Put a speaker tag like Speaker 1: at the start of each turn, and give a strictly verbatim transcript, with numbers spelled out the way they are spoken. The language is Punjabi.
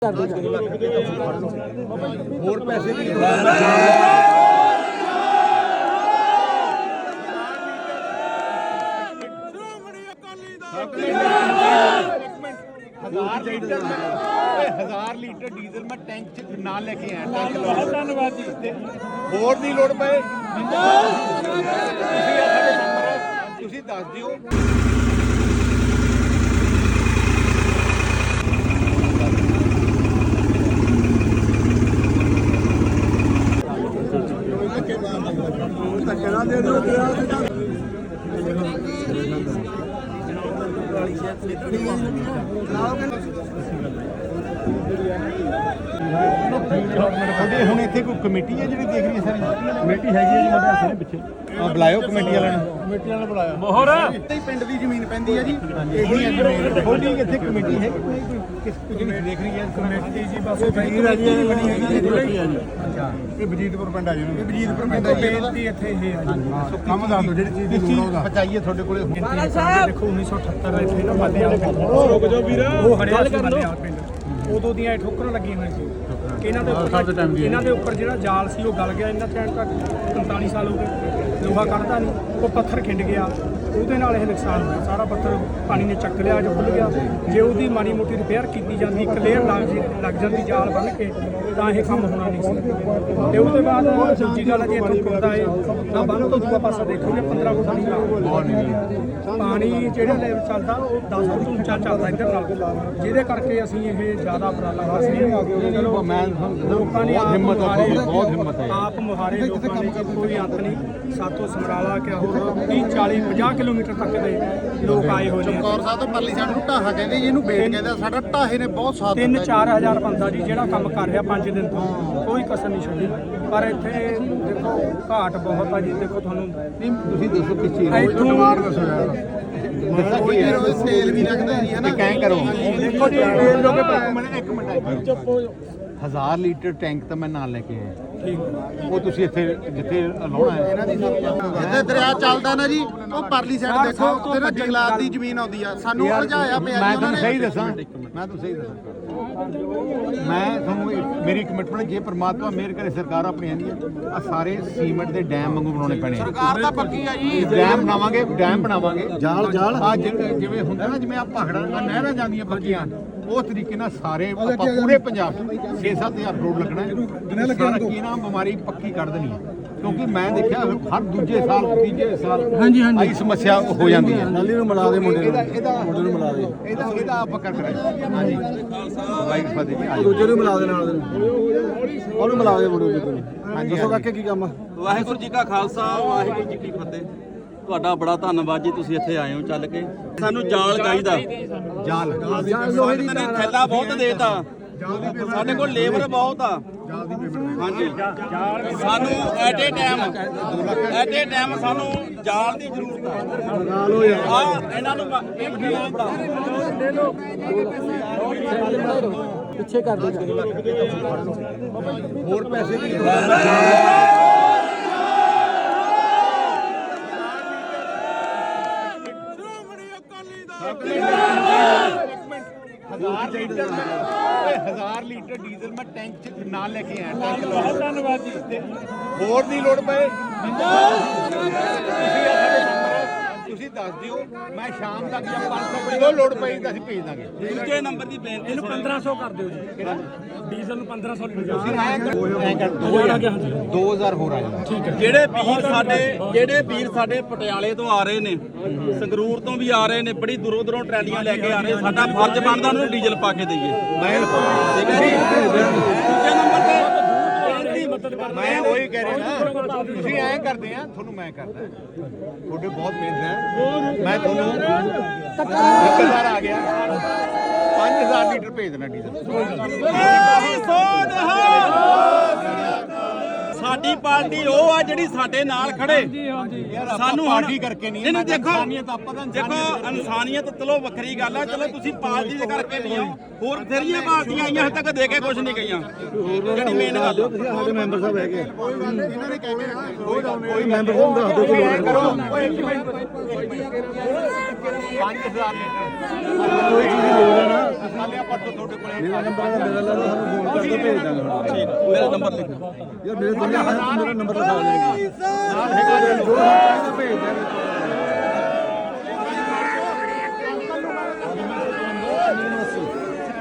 Speaker 1: ਹੋਰ ਪੈਸੇ ਦੀ हजार लीटर हजार लीटर डीजल मैं टैंक च नाल लेके आया। बहुत धन्यवाद जी। होर दी लोड़ पए तुसीं दस दिओ। ਹੁਣ ਇੱਥੇ ਕੋਈ ਕਮੇਟੀ ਹੈ ਜਿਹੜੀ ਦੇਖ ਰਹੀ ਹੈ ਸਾਰੀ ਕਮੇਟੀ ਹੈਗੀ ਹੈ ਜੀ ਮੁੰਡੇ ਹੱਥ ਦੇ ਪਿੱਛੇ ਆ ਬੁਲਾਇਓ ਕਮੇਟੀ ਵਾਲਿਆਂ ਨੂੰ ਕਮੇਟੀ ਵਾਲਿਆਂ ਨੂੰ ਬੁਲਾਇਆ ਮੋਹਰ ਇੱਥੇ ਹੀ ਪਿੰਡ ਦੀ ਜ਼ਮੀਨ ਪੈਂਦੀ ਹੈ ਜੀ ਇਹੀ ਹੈ ਜ਼ਮੀਨ ਥੋੜੀ ਇੱਥੇ ਕਮੇਟੀ ਹੈ ਕੋਈ ਕਿਸ ਜਿਹੜੀ ਦੇਖ ਰਹੀ ਹੈ ਕਮੇਟੀ ਜੀ ਬਸ ਵਜ਼ੀਰ ਹੈ ਜੀ ਬਣੀ ਹੈਗੀ ਹੈ ਜੀ ਅੱਛਾ ਇਹ ਵਜੀਦਪੁਰ ਪਿੰਡ ਆ ਜੀ ਇਹ ਵਜੀਦਪੁਰ ਪਿੰਡ ਹੈ ਜੀ ਇੱਥੇ ਇਹ ਹੈ ਜੀ ਕੰਮ ਦੱਸ ਦਿਓ ਜਿਹੜੀ ਚੀਜ਼ ਦੀ ਲੋੜ ਹੋਗਾ ਪਹੁੰਚਾਈਏ ਤੁਹਾਡੇ ਕੋਲੇ ਦੇਖੋ ਉੱਨੀ ਸੌ ਅਠੱਤਰ ਇੱਥੇ ਨਾ ਮਾਲੇ ਵਾਲਾ ਪਿੰਡ ਰੁਕ ਜਾਓ ਵੀਰ ਉਹ ਹਰਿਆਣਾ ਮਾਲੇ ਵਾਲਾ ਪਿੰਡ ਉਦੋਂ ਦੀਆਂ ਠੋਕਰਾਂ ਲੱਗੀਆਂ ਹੋਈਆਂ ਸੀ ਇਹਨਾਂ ਦੇ ਉੱਪਰ ਇਹਨਾਂ ਦੇ ਉੱਪਰ ਜਿਹੜਾ ਜਾਲ ਸੀ ਉਹ ਗਲ ਗਿਆ ਇਹਨਾਂ ਟਾਈਮ ਤੱਕ ਪੰਤਾਲੀ ਸਾਲ ਹੋ ਗਏ ਲੋਹਾ ਕੱਢਦਾ ਨਹੀਂ ਉਹ ਪੱਥਰ ਖਿੰਡ ਗਿਆ ਉਹਦੇ ਨਾਲ ਇਹ ਨੁਕਸਾਨ ਹੋਇਆ ਸਾਰਾ ਪੱਥਰ ਪਾਣੀ ਨੇ ਚੱਕ ਲਿਆ ਜੋ ਖੁੱਲ ਗਿਆ ਜੇ ਉਹਦੀ ਮਾੜੀ ਮੋਟੀ ਰਿਪੇਅਰ ਕੀਤੀ ਜਾਂਦੀ ਇੱਕ ਲੇਅਰ ਲੱਗ ਲੱਗ ਜਾਂਦੀ ਜਾਲ ਬੰਨ੍ਹ ਕੇ ਤਾਂ ਇਹ ਕੰਮ ਹੋਣਾ ਨਹੀਂ ਸੀ ਤੇ ਉਹਦੇ ਬਾਅਦ ਦੂਜੀ ਗੱਲ ਜੇ ਇੱਥੋਂ ਖੁੱਲਦਾ ਹੈ ਤਾਂ ਬੰਨ੍ਹ ਤੋਂ ਦੂਆ ਪਾਸਾ ਦੇਖੋਗੇ ਪੰਦਰਾਂ ਫੁੱਟ ਨਹੀਂ ਪਾਣੀ ਜਿਹੜਾ ਲੈਵਲ ਚੱਲਦਾ ਉਹ ਦਸ ਫੁੱਟ ਉੱਚਾ ਚੱਲਦਾ ਇੱਧਰ ਨਾਲ ਜਿਹਦੇ ਕਰਕੇ ਅਸੀਂ ਇਹ ਜ਼ਿਆਦਾ ਉਪਰਾਲਾ ਕਰ ਰਹੇ ਹਾਂ ਚਲੋ ਮੈਂ ਲੋਕਾਂ ਨੇ ਹਿੰਮਤ ਬਹੁਤ ਹਿੰਮਤ ਹੈ ਆਪ ਮੁਹਾਰੇ ਲੋਕਾਂ ਨੇ ਕੋਈ ਅੰਤ ਨਹੀਂ ਸਾਤੋਂ ਸਮਰਾਲਾ ਕਿਆ ਹੋਰ ਤੀਹ ਚਾਲੀ ਪੰਜਾਹ ਕਿਲੋਮੀਟਰ ਤੱਕ ਦੇ ਲੋਕ ਆਏ ਹੋਏ ਨੇ ਚਮਕੌਰ ਸਾਹਿਬ ਤੋਂ ਪਰਲੀ ਸਾਈਡ ਨੂੰ ਢਾਹਾ ਕਹਿੰਦੇ ਜੀ ਇਹਨੂੰ ਬੇਟ ਕਹਿੰਦੇ ਸਾਡਾ ਢਾਹੇ ਨੇ ਬਹੁਤ ਸਾਥ ਦਿੱਤਾ ਤਿੰਨ ਚਾਰ ਹਜ਼ਾਰ ਬੰਦਾ ਜੀ ਜਿਹੜਾ ਕੰਮ ਕਰ ਰਿਹਾ ਪੰਜ ਦਿਨ ਤੋਂ ਕੋਈ ਕਸਰ ਨਹੀਂ ਛੱਡੀ ਪਰ ਇੱਥੇ ਦੇਖੋ ਘਾਟ ਬਹੁਤ ਆ ਜੀ ਦੇਖੋ ਤੁਹਾਨੂੰ ਨਹੀਂ ਤੁਸੀਂ ਦੱਸੋ ਕਿਸ ਚੀਜ਼ ਦੀ ਡਿਮਾਂਡ ਦੱਸੋ ਯਾਰ ਸੇਲ ਵੀ ਲੱਗਦਾ ਜੀ ਹੈ ਨਾ ਕੈਂ ਕਰੋ ਦੇਖੋ ਜੀ ਲੋਕੇ ਇੱਕ ਮਿੰਟ ਚੁੱਪ ਹੋ ਹਜ਼ਾਰ ਲੀਟਰ ਟੈਂਕ ਤਾਂ ਮੈਂ ਨਾਲ ਲੈ ਕੇ ਆਇਆ ਠੀਕ ਉਹ ਤੁਸੀਂ ਇੱਥੇ ਜਿੱਥੇ ਲਾਉਣਾ ਹੈ ਇਹਨਾਂ ਦੀ ਜਿੱਥੇ ਦਰਿਆ ਚੱਲਦਾ ਨਾ ਜੀ ਉਹ ਪਰਲੀ ਸਾਈਡ ਦੇਖੋ ਉੱਥੇ ਨਾ ਜੰਗਲਾਤ ਦੀ ਜ਼ਮੀਨ ਆਉਂਦੀ ਆ ਸਾਨੂੰ ਉਲਝਾਇਆ ਪਿਆ ਮੈਂ ਤੁਹਾਨੂੰ ਸਹੀ ਦੱਸਾਂ ਮੈਂ ਤੁਹਾਨੂੰ ਸਹੀ ਦੱਸਾਂ ਮੈਂ ਤੁਹਾਨੂੰ ਮੇਰੀ ਕਮਿਟਮੈਂਟ ਜੇ ਪ੍ਰਮਾਤਮਾ ਮਿਹਰ ਕਰੇ ਸਰਕਾਰ ਆਪਣੀ ਆਂਦੀ ਹੈ ਆ ਸਾਰੇ ਸੀਮੈਂਟ ਦੇ ਡੈਮ ਵਾਂਗੂ ਬਣਾਉਣੇ ਪੈਣੇ ਸਰਕਾਰ ਤਾਂ ਪੱਕੀ ਆ ਜੀ ਡੈਮ ਬਣਾਵਾਂਗੇ ਡੈਮ ਬਣਾਵਾਂਗੇ ਜਾਲ ਜਾਲ ਆ ਜਿਵੇਂ ਹੁੰਦਾ ਨਾ ਜਿਵੇਂ ਆ ਭਾਖੜਾ ਨਹਿਰਾਂ ਜਾਂਦੀਆਂ ਪੱਕੀਆਂ ਉਸ ਤਰੀਕੇ ਨਾਲ ਸਾਰੇ ਆਪਾਂ ਪੂਰੇ ਪੰਜਾਬ ਛੇ ਸੱਤ ਹਜ਼ਾਰ ਕਰੋੜ ਲੱਗਣਾ ਸਾਰਾ ਕੀ ਨਾ ਬਿਮਾਰੀ ਪੱਕੀ ਕੱਢ ਦੇਣੀ ਹੈ ਕਿਉਂਕਿ ਮੈਂ ਦੇਖਿਆ ਹਰ ਦੂਜੇ ਸਾਲ ਤੀਜੇ ਸਾਲ ਹਾਂਜੀ ਹਾਂਜੀ ਆਹੀ ਸਮੱਸਿਆ ਹੋ ਜਾਂਦੀ ਹੈ ਨਾਲੀ ਨੂੰ ਮਿਲਾ ਦੇ ਮੁੰਡੇ ਨੂੰ ਇਹਦਾ ਮੁੰਡੇ ਨੂੰ ਮਿਲਾ ਦੇ ਇਹਦਾ ਇਹਦਾ ਆਪਾਂ ਕਰ ਕਰਾਂਗੇ ਹਾਂਜੀ ਬਾਈਕ ਫਾਦੇ ਜੀ ਦੂਜੇ ਨੂੰ ਮਿਲਾ ਦੇ ਨਾਲ ਉਹਨੂੰ ਮਿਲਾ ਦੇ ਮੁੰਡੇ ਨੂੰ ਹਾਂਜੀ ਦੱਸੋ ਕਾਕੇ ਕੀ ਕੰਮ
Speaker 2: ਵਾਹਿਗੁਰੂ ਜੀ ਕਾ ਖਾਲਸਾ ਵਾਹਿਗੁਰੂ ਜੀ ਕੀ ਫਤਿਹ ਤੁਹਾਡਾ ਬੜਾ ਧੰਨਵਾਦ ਜੀ ਤੁਸੀਂ ਇੱਥੇ ਆਏ ਹੋ ਚੱਲ ਕੇ ਸਾਨੂੰ ਜਾਲ ਚਾਹੀਦਾ
Speaker 1: ਜਾਲ
Speaker 2: ਲੋਹੇ ਦੀ ਥੈਲਾ ਬਹੁਤ ਦੇਤਾ ਸਾਡੇ ਕੋਲ ਲੇਬਰ ਬਹੁਤ ਆ ਹਾਂਜੀ ਸਾਨੂੰ at a time at a time ਸਾਨੂੰ ਜਾਲ ਦੀ ਜ਼ਰੂਰਤ ਆ ਆ ਇਹਨਾਂ ਨੂੰ ਇਹ ਬੜਾ
Speaker 1: ਪਿੱਛੇ ਕਰ ਦੇ ਹੋਰ ਪੈਸੇ ਦੀ हजार लीटर हजार लीटर डीजल मैं टैंक च नाल लेके आया। बहुत धन्यवाद जी। होर दी लोड़ पए ਤੁਸੀਂ ਦੱਸ ਦਿਓ ਮੈਂ ਸ਼ਾਮ ਤੱਕ ਜਾਂ ਪੰਜ ਸੌ ਰੁਪਏ ਲੋੜ ਪਈ ਤਾਂ ਅਸੀਂ ਭੇਜ ਦਾਂਗੇ
Speaker 2: ਦੂਜੇ ਨੰਬਰ ਦੀ ਬੇਨਤੀ
Speaker 3: ਇਹਨੂੰ ਪੰਦਰਾਂ ਸੌ ਕਰ ਦਿਓ ਜੀ ਕਿਹੜਾ ਡੀਜ਼ਲ ਨੂੰ ਪੰਦਰਾਂ ਸੌ ਲੀਟਰ
Speaker 1: ਤੁਸੀਂ ਐਂ ਕਰ ਦੋ ਹਜ਼ਾਰ ਹੋਰ ਆ ਜਾਣਾ
Speaker 3: ਠੀਕ ਹੈ
Speaker 2: ਜਿਹੜੇ ਵੀਰ ਸਾਡੇ ਜਿਹੜੇ ਵੀਰ ਸਾਡੇ ਪਟਿਆਲੇ ਤੋਂ ਆ ਰਹੇ ਨੇ ਸੰਗਰੂਰ ਤੋਂ ਵੀ ਆ ਰਹੇ ਨੇ ਬੜੀ ਦੂਰੋਂ ਦੂਰੋਂ ਟਰਾਲੀਆਂ ਲੈ ਕੇ ਆ ਰਹੇ ਸਾਡਾ ਫਰਜ਼ ਬਣਦਾ ਉਹਨਾਂ ਨੂੰ ਡੀਜ਼ਲ ਪਾ ਕੇ ਦਈਏ
Speaker 1: ਮੈਂ
Speaker 2: ਠੀਕ ਹੈ ਜੀ ਦੂਜੇ ਨੰਬਰ ਤੇ
Speaker 1: ਮੈਂ ਉਹੀ ਕਹਿ ਰਿਹਾ ਨਾ ਤੁਸੀਂ ਐਂ ਕਰਦੇ ਆ ਤੁਹਾਨੂੰ ਮੈਂ ਕਰਦਾ ਤੁਹਾਡੇ ਬਹੁਤ ਮਿਹਨਤ ਹੈ ਮੈਂ ਤੁਹਾਨੂੰ ਇੱਕ ਹਜ਼ਾਰ ਆ ਗਿਆ ਪੰਜ ਹਜ਼ਾਰ ਲੀਟਰ ਭੇਜ ਦੇਣਾ ਡੀਜ਼ਲ
Speaker 2: ਸਾਡੀ ਪਾਰਟੀ ਉਹ ਆ ਜਿਹੜੀ ਸਾਡੇ ਨਾਲ ਖੜੇ ਸਾਨੂੰ
Speaker 1: ਪਾਰਟੀ ਕਰਕੇ ਨਹੀਂ
Speaker 2: ਇਹਨੂੰ ਦੇਖੋ
Speaker 1: ਇਨਸਾਨੀਅਤ ਆਪਾਂ ਤਾਂ
Speaker 2: ਦੇਖੋ ਇਨਸਾਨੀਅਤ ਚਲੋ ਵੱਖਰੀ ਗੱਲ ਆ ਚਲੋ ਤੁਸੀਂ ਪਾਰਟੀ ਦੇ ਕਰਕੇ ਨਹੀਂ ਹੋ ਹੋਰ ਬਥੇਰੀਆਂ ਪਾਰਟੀਆਂ ਆਈਆਂ ਹਜੇ ਤੱਕ ਦੇ ਕੇ ਕੁਝ ਨਹੀਂ ਗਈਆਂ ਜਿਹੜੀ ਮੇਨ ਗੱਲ
Speaker 1: ਸਾਡੇ ਮੈਂਬਰ ਸਾਹਿਬ ਹੈਗੇ ਇਹਨਾਂ ਨੇ ਕਹਿੰਦੇ ਕੋਈ ਮੈਂਬਰ ਸਾਹਿਬ ਦੱਸ ਦਿਓ ਕੋਈ ਕਰੋ ਪੰਜ ਹਜ਼ਾਰ ਕੋਈ ਚੀਜ਼ ਦੀ ਲੋੜ ਹੈ ਨਾ ਸਾਡੇ ਆਪਾਂ ਤੁਹਾਡੇ ਕੋਲ ਮੇਰਾ ਨੰਬਰ ਹੈ ਮੇਰਾ ਲਾ ਲਓ ਸਾਨੂੰ ਫੋਨ ਕਰ ਦਿਓ ਭੇਜ ਦਾਂਗੇ ਠੀਕ
Speaker 2: ਮੇਰਾ ਨੰਬਰ ਲਿਖੋ
Speaker 1: ਯਾਰ ਮੇਰੇ ਦੁਨੀਆ ਮੇਰਾ ਨੰਬਰ ਲਿਖਾ ਦੇਣਗੇ ਨਾਲ ਹੈਗਾ ਜੋ ਭੇਜ ਦਾਂਗੇ